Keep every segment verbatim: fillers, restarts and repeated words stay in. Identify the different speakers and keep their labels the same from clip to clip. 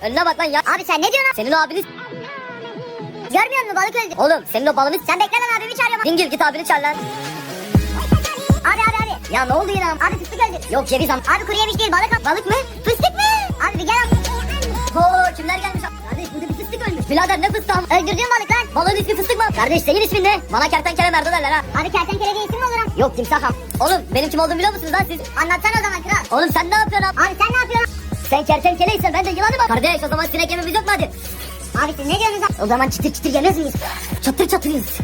Speaker 1: Önüne bak lan ya. Abi sen ne diyorsun? Senin o abiniz... Görmüyor musun balık öldü? Oğlum senin o balığını... Sen bekle lan abimi çağırıyorum. Dingil git abini çağır lan. Abi abi abi. Ya ne oldu yine? Abi fıstık öldü. Yok ceviz am. Abi kuru yemiş değil balık. Balık mı? Fıstık mı? Abi bir gel abi. Oo kimler gelmiş? Kardeş burada bir fıstık ölmüş. Birader ne fıstığı? Öldürdüğün balık lan. Balığın ismi fıstık mı? Kardeş senin ismin ne? Bana kertenkele merdo derler ha. Abi kertenkele diye isim mi olur ha? Yok timsaham. Oğlum benim kim olduğumu biliyor musunuz lan siz? Anlatsana o zaman kral. Oğlum sen ne yapıyorsun abi? Abi sen ne yapıyorsun? Sen kertenkeleysen ben de yılanım abi. Kardeş o zaman sinek yememiz yok mu hadi? Abi siz ne diyorsunuz abi? O zaman çıtır çıtır yemez miyiz? Çatır çatırız.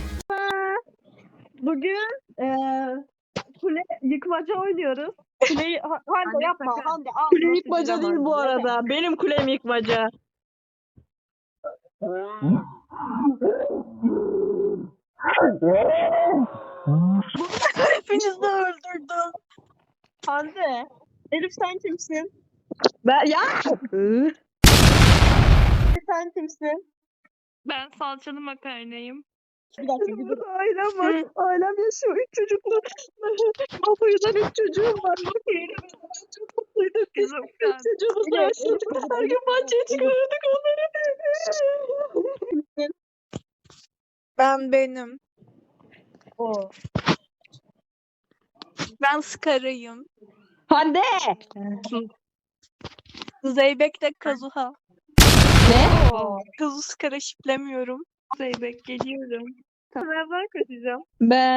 Speaker 2: Bugün eee kule yıkmaca oynuyoruz. Kuleyi ha- Hande
Speaker 3: Anne
Speaker 2: yapma.
Speaker 3: sakın.
Speaker 2: Hande al.
Speaker 3: Kule
Speaker 2: nasıl
Speaker 3: yıkmaca
Speaker 2: güzel
Speaker 3: değil bu
Speaker 2: Hande.
Speaker 3: arada. Benim kulem yıkmaca. Hepinizi de öldürdüm.
Speaker 2: Hande. Elif sen kimsin?
Speaker 3: Ben ya.
Speaker 2: Sen kimsin?
Speaker 4: Ben salçalı makarnayım.
Speaker 2: Bir dakika bir dur.
Speaker 3: Ailem var. Ailem yaşıyor. Üç çocuklu. Baba yüzden üç çocuğum var. Çok mutluyduk. Biz
Speaker 4: Kızım
Speaker 3: üç
Speaker 4: ben.
Speaker 3: çocuğumuz
Speaker 2: Evet,
Speaker 3: var.
Speaker 2: evet.
Speaker 3: Her gün bahçeye çıkarırdık onları.
Speaker 5: Ben benim.
Speaker 2: O.
Speaker 5: Ben Skara'yım.
Speaker 3: Hande.
Speaker 5: Zeybek de Kazuha.
Speaker 3: Ne?
Speaker 2: O.
Speaker 5: Kazu Skara şiplemiyorum.
Speaker 4: Zeybek geliyorum.
Speaker 2: Nereden kaçacağım?
Speaker 3: Ben.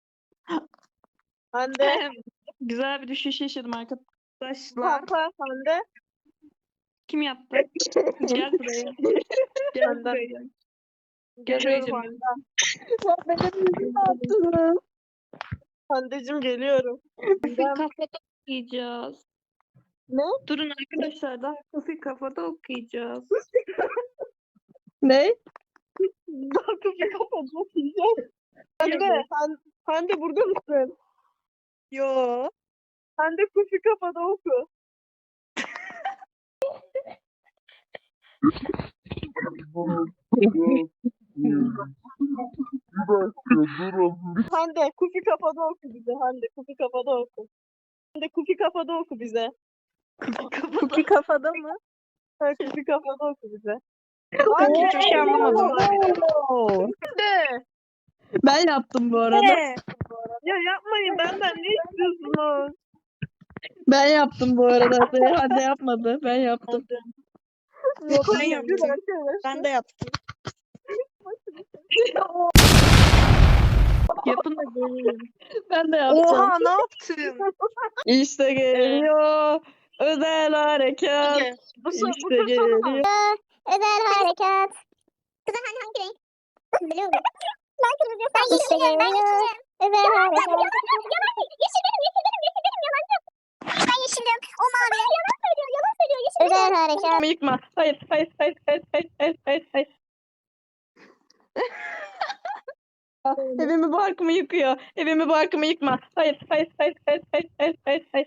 Speaker 2: Hande.
Speaker 4: Güzel bir düşüş yaşadım arkadaşlar.
Speaker 2: Pampa. Hande.
Speaker 4: Kim yaptı? Gel buraya. Gel
Speaker 2: Benden.
Speaker 4: buraya. Gel
Speaker 2: Geliyorum
Speaker 4: buraya.
Speaker 2: Hande.
Speaker 3: Sen benim yüzümü attın.
Speaker 2: Handeciğim geliyorum.
Speaker 4: Kufi kafada okuyacağız.
Speaker 2: Ne?
Speaker 4: Durun arkadaşlar daha kufi kafada okuyacağız.
Speaker 3: Ne?
Speaker 2: Daha kapıyı kapatmak yiyeceğim. Hande. Han- Hande burada mısın?
Speaker 5: Yo.
Speaker 2: Hande kufi kafada oku. Hande kufi kafada oku bize. Hande kufi kafada oku. Hande kufi kafada oku bize.
Speaker 5: Kuki kafada mı?
Speaker 2: Ha, kufi kafada oku bize.
Speaker 5: Ben hiçbir şey anlamadım.
Speaker 2: Hande.
Speaker 3: Ben yaptım bu arada.
Speaker 5: Ne?
Speaker 2: Ya yapmayın benden ne istiyorsunuz?
Speaker 3: Ben yaptım bu arada. Hande yapmadı. Ben yaptım.
Speaker 2: Yok
Speaker 5: ben yaptım. Ben de yaptım.
Speaker 4: Yapın da göreyim.
Speaker 3: Ben de yaptım.
Speaker 5: Oha ne yaptın?
Speaker 3: İşte geliyor. Özel harekat.
Speaker 2: Hadi. Bu, so bu
Speaker 3: İşte
Speaker 2: tur sonu mu?
Speaker 3: geliyor.
Speaker 1: Özel harekat. Kızım hani hangi renk? Biliyor musun? Ben kırmızı yok. Ben yeşilim. Ben yeşilim. Özel harekat. Yeşil benim, yeşil benim, yeşil benim. Yalancı. Ben yeşilim. O mavi. Yalan söylüyor, yalan söylüyor. Yeşil özel harekat.
Speaker 3: Yıkma. Hayır, hayır, hayır, hayır, hayır, hayır, hayır, hayır, hayır. Ah, Evimi barkımı yıkıyor. Evimi barkımı yıkma. Hayır, hayır, hayır, hayır, hayır, hayır, hayır, hayır.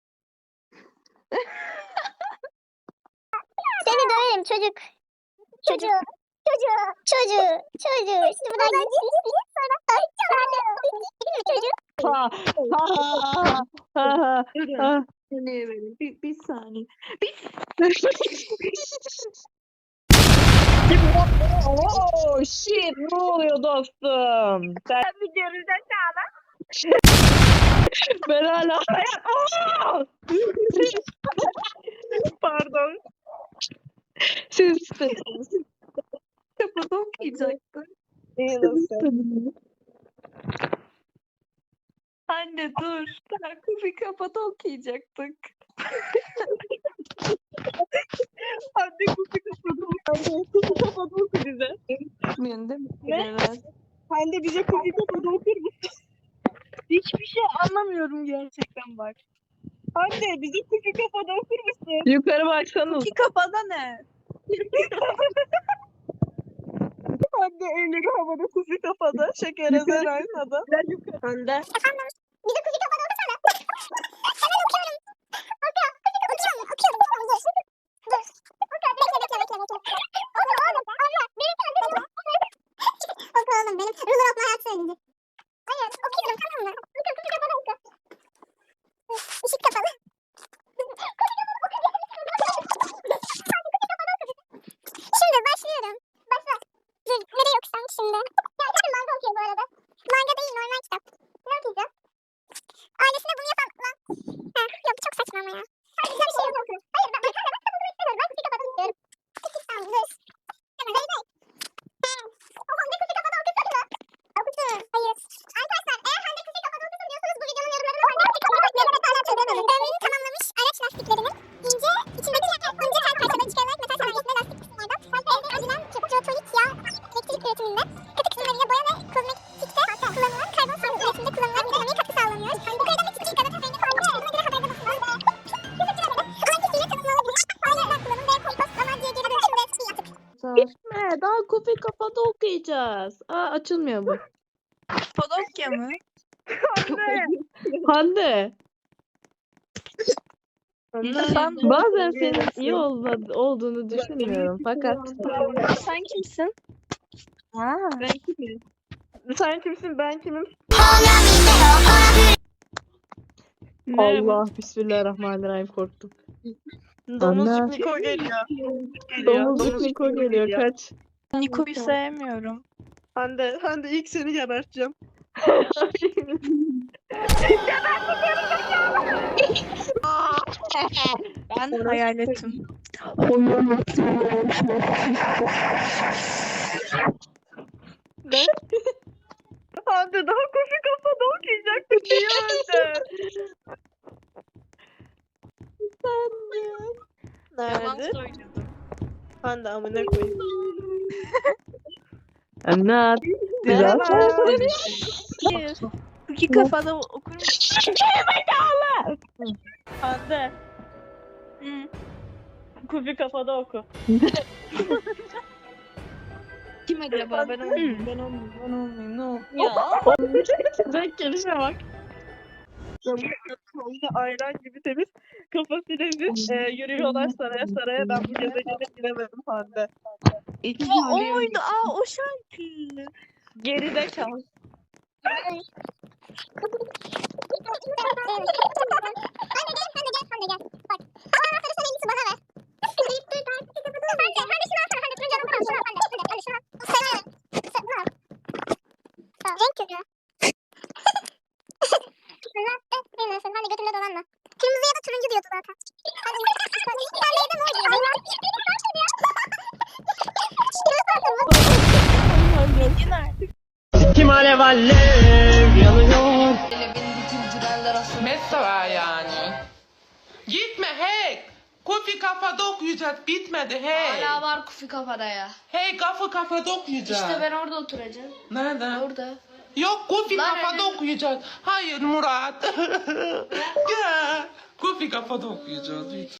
Speaker 1: Seni döverim çocuk. Çocuğu. Çocuğu. Çocuğu. Çocuğu. Şimdi buradan git. Sonra. Ay çocuğu.
Speaker 3: Ha, ha, ha, ha, ha,
Speaker 4: Durun.
Speaker 3: ha.
Speaker 4: Saniye verin. Bir, bir saniye. Bir
Speaker 3: Oh shit, ne oluyor dostum? Sen
Speaker 2: Bir görülecek çağla.
Speaker 3: ben hala Aa!
Speaker 2: Pardon.
Speaker 3: Siz istediniz.
Speaker 4: kafada okuyacaktın.
Speaker 2: İyi nasıl?
Speaker 4: Anne dur. Daha kufi kafada okuyacaktık.
Speaker 2: Hande kufi kafada oku. Hande kufi kafada oku bize.
Speaker 4: Bilmiyorsun değil mi?
Speaker 2: Ne?
Speaker 4: Evet.
Speaker 2: Hande bize kufi kafada okur musun? Hiçbir şey anlamıyorum gerçekten bak. Hande bize kufi kafada okur musun?
Speaker 3: Yukarı baksanız.
Speaker 5: Kuki kafada ne?
Speaker 2: Hande elleri havada kufi kafada. Şeker ezer aynada. Hande.
Speaker 1: Bize kuzu kapalı okusana. Hemen okuyorum. Okuyorum. Okuyorum. Okuyorum. Okuyorum. Dur. Dur. Okuyorum. Bekle bekle bekle bekle. Oku oğlum. Abla. Benim kardeşim. Oku oğlum benim. Ruler okuma hayat söyledi. Hayır. Okuyorum tamam mı? Oku kuzu kapalı oku. Işık kapalı. Kuzu kapalı oku. Hadi kuzu kapalı oku.
Speaker 3: Hande daha kofi kafada okuyacağız. Aa açılmıyor bu.
Speaker 5: Podokya mı?
Speaker 3: Hande.
Speaker 5: Sen,
Speaker 3: Bazen senin iyi olma- olduğunu düşünmüyorum fakat
Speaker 5: sen kimsin? Ha.
Speaker 2: Ben kimim? Sen kimsin? Ben kimim?
Speaker 3: Allah bismillahirrahmanirrahim korktum.
Speaker 2: Domuzcuk
Speaker 3: Anne.
Speaker 2: Niko geliyor. Geliyor.
Speaker 3: Domuzcuk Niko geliyor kaç.
Speaker 5: Niko'yu sevmiyorum.
Speaker 2: Hande, Hande ilk seni geberteceğim.
Speaker 5: Ben hayaletim.
Speaker 2: Hande daha kofi kafada okuyacaktık. Niye öldü?
Speaker 5: Yalan
Speaker 2: Nerede?
Speaker 5: söylüyordum.
Speaker 2: Hande amına koyayım.
Speaker 3: Anlat.
Speaker 2: Merhaba.
Speaker 5: Hayır. İki kafada okur musun?
Speaker 2: Hande.
Speaker 5: Hı.
Speaker 2: Kofi kafada oku.
Speaker 5: Kim acaba? Ben olmayayım. Ben olmayayım. Ben olmayayım. Ne oldu? Ya.
Speaker 2: Renk gelişe bak. Sonunda ayran gibi temiz kafasıyla biz e, yürüyorlar saraya saraya. Ben bu gezegene giremedim Hande.
Speaker 5: Aa, o muydu? Aa o şarkı.
Speaker 2: Geride kal.
Speaker 1: Renk körü. Sen de götümde dolanma. Kırmızı ya da turuncu diyordu zaten. Hadi. Sen neyden o diyor?
Speaker 6: Kim alev alev yanıyor.
Speaker 7: Mesela yani. Gitme hey. Kofi kafada okuyacağız. Bitmedi hey.
Speaker 8: Hala var kufi kafada ya.
Speaker 7: Hey kafa kafada okuyacağız.
Speaker 8: İşte ben orada oturacağım.
Speaker 7: Nerede?
Speaker 8: Orada.
Speaker 7: Yok kofi
Speaker 8: Lan
Speaker 7: kafada
Speaker 8: öyle-
Speaker 7: okuyacağız. Hayır Murat. Gel. Kofi kafada okuyacağız. Lütfen.